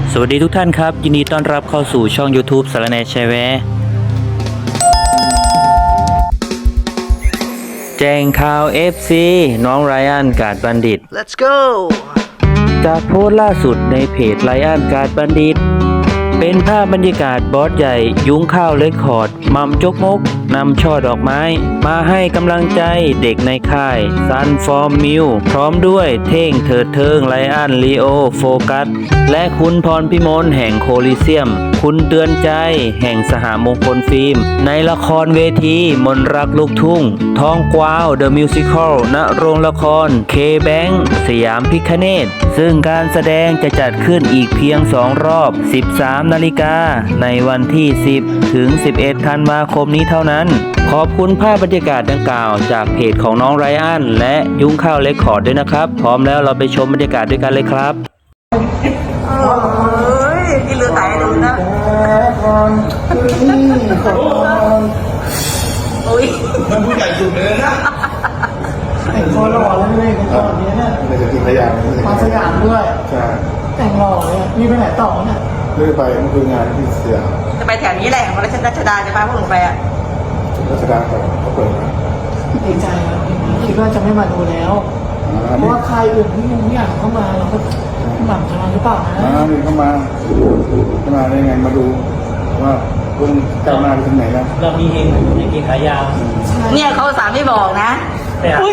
สวัสดีทุกท่านครับยินดีต้อนรับเข้าสู่ช่อง YouTube สารแหน่แชร์แวร์แจ้งข่าว FC น้องไรอันกาดบัณฑิต Let's go จากโพสต์ล่าสุดในเพจไรอันกาดบัณฑิตเป็นภาพบรรยากาศบอสใหญ่ยุ้งข้าวเรคคอร์ดมัมจกมกนำช่อดอกไม้มาให้กำลังใจเด็กในค่ายซันฟอร์มมิวพร้อมด้วยเท่งเถิดเทิงไรอันลีโอโฟกัสและคุณพรพิมลแห่งโคลิเซียมคุณเตือนใจแห่งสหมงคลฟิล์มในละครเวทีมนรักลูกทุ่งทองกวาวเดอะมิวสิคลณโรงละครเคแบงค์สยามพิคเนตซึ่งการแสดงจะจัดขึ้นอีกเพียง2รอบ 13 นาฬิกาในวันที่ 10 ถึง 11 ธันวาคมนี้เท่านั้นขอบคุณภาพบรรยากาศดังกล่าวจากเพจของน้องไรอันและยุ้งข้าวเรคคอร์ดด้วยนะครับพร้อมแล้วเราไปชมบรรยากาศด้วยกันเลยครับที่เรือไต่ดูนะอุ้ยมันผู้ใหญ่สุดเลยนะแต่งคอหล่อแล้วเลยเป็นคนนี้เนี่ยในสกินพยานมาสยามด้วยใช่แต่งหล่อเลยมีไปไหนต่อเนี่ยเลื่อยไปมันคืองานที่เสียจะไปแถวนี้แหละของรัชดาจะพาพวกหนูไปอ่ะรัชดาเขาเปิดนะดีใจครับคิดว่าจะไม่มาดูแล้วเพราะว่าใครอื่นที่ยังไม่อยากเข้ามาเราก็หมั่นจะมาหรือเปล่านะนี่เข้ามาได้ไงมาดูว่าลุงก้าวหน้าไปถึงไหนแล้วเรามีเองขายาวเนี่ยเขาสามไม่บอกนะอุ้ย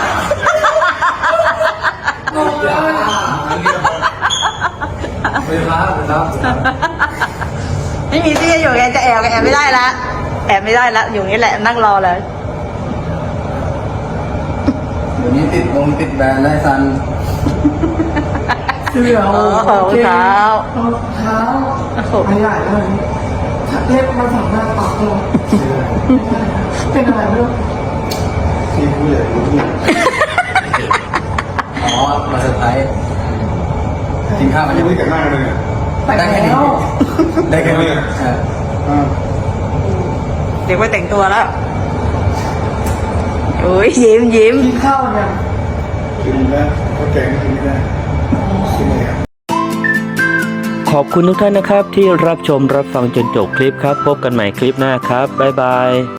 ไม่มีที่อยู่ไงจะแอบไม่ได้ละแอบไม่ได้ละอยู่นี่แหละนั่งรอเลยเดี๋ยวนี้ติดแบรนด์ได้ซันเสื้อโอ้โหเท้าไม่ได้เลยเล็บมาสั่งหน้าปากเลยเป็นอะไรไม่รู้ที่ผู้ใหญ่รู้เนี่ยอ๋อมาเซอร์ไพรส์กินข้าวมันยังไม่แต่งหน้าเลยเนี่ยแต่งแล้วได้แค่นี้เด็กไปแต่งตัวแล้วโอ้ยยิ้มกินข้าวเนี่ยกินแล้วก็แกงกินไม่ได้กินไม่ได้ขอบคุณทุกท่านนะครับที่รับชมรับฟังจนจบคลิปครับพบกันใหม่คลิปหน้าครับบ๊ายบาย